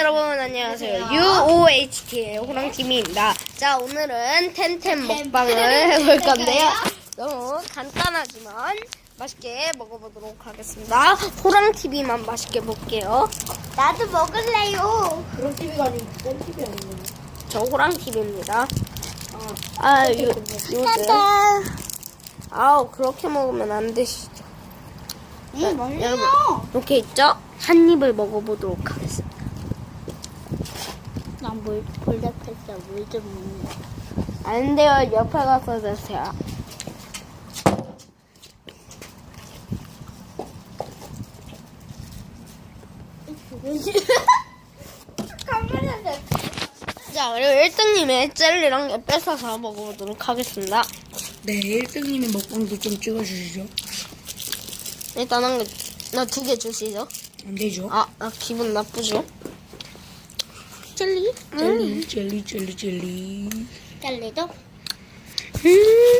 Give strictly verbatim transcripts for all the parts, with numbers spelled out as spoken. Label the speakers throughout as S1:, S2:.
S1: 여러분 안녕하세요. 유오에이치티의 호랑팀입니다. 자, 오늘은 텐텐 먹방을 해볼 건데요. 너무 간단하지만 맛있게 먹어보도록 하겠습니다. 호랑티비만 맛있게 볼게요.
S2: 나도 먹을래요.
S3: 그런 티비가 아니고 센 티비 아니에요?
S1: 저 호랑티비입니다. 아, 요, 요즘 아우 그렇게 먹으면 안 되시죠.
S2: 응, 먹네요.
S1: 여러분 이렇게 있죠? 한 입을 먹어보도록 하겠습니다.
S2: 난물 볼닭했어. 물 좀 먹네.
S1: 안 돼요. 옆에 가서 드세요.
S2: 카메라를.
S1: 자, 그리고 일 등님의 젤리랑 에 뺏어서 먹어보도록 하겠습니다.
S3: 네, 일 등님의 먹방도 좀 찍어주시죠.
S1: 일단 한 개, 나 두 개 주시죠.
S3: 안 되죠?
S1: 아, 나 기분 나쁘죠? 젤리?
S3: 젤리, 젤리, 젤리, 젤리.
S2: 젤리도?
S1: 음.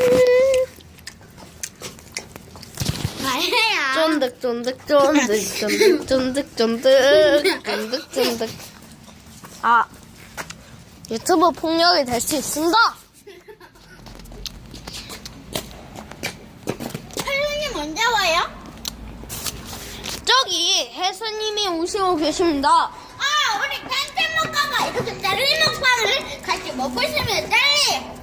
S2: 아니야.
S1: 쫀득, 쫀득, 쫀득, 쫀득, 쫀득, 쫀득, 쫀득, 쫀득. 아, 유튜브 폭력이 될 수 있습니다.
S2: 할머니 언제 와요?
S1: 저기 혜수님이 오시고 계십니다.
S2: 아, 우리 텐텐 먹방과 이렇게 젤리 먹방을 같이 먹고 있으면 젤리.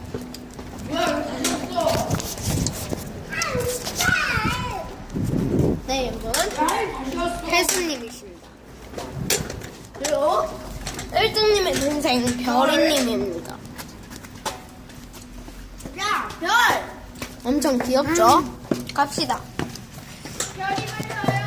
S1: 네, 여러분. 혜수님이십니다. 그리고 일 등님의 동생 별이님입니다.
S2: 야, 별.
S1: 엄청 귀엽죠? 갑시다.
S2: 별이 말려요.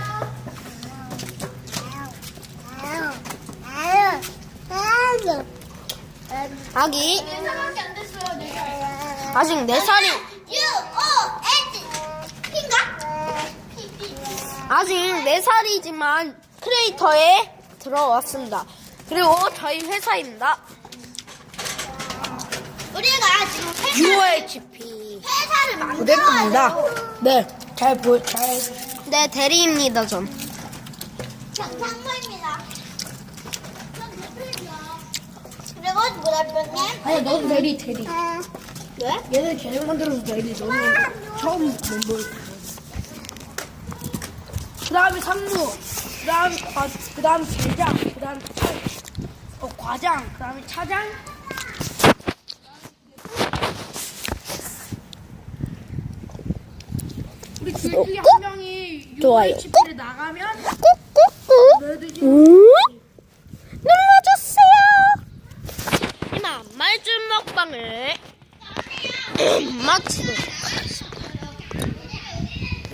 S1: 아기
S2: 네 살밖에 안 됐어요. 네 살.
S1: 아직 네 살이
S2: U O H P인가? P P.
S1: 아직 네 살이지만 크리에이터에 들어왔습니다. 그리고 저희 회사입니다.
S2: 우리가 지금 회사,
S1: 유오에이치피
S2: 회사를 만들어야
S3: 부대표입니다.
S2: 돼요.
S3: 네, 잘 보, 잘.
S1: 네, 대리입니다. 전
S2: 경상무입니다. 전 대표이죠. 그리고 부대표님.
S3: 아니, 너도 대리, 대리.
S2: 왜?
S3: 얘네 계속 만들어서 대리. 너는 처음 멤버. 그 다음에 상무. 그 다음에 과, 그 다음에 대장. 그 다음에 차, 어, 과장. 그 다음에 차장. 우리 둘 중에 한 명이
S1: 좋아요.
S3: 유에이치피를 나가면
S1: 꾹꾹꾹
S3: 너희들이
S1: 눌러주세요. 이만 말줄 먹방을 마치도록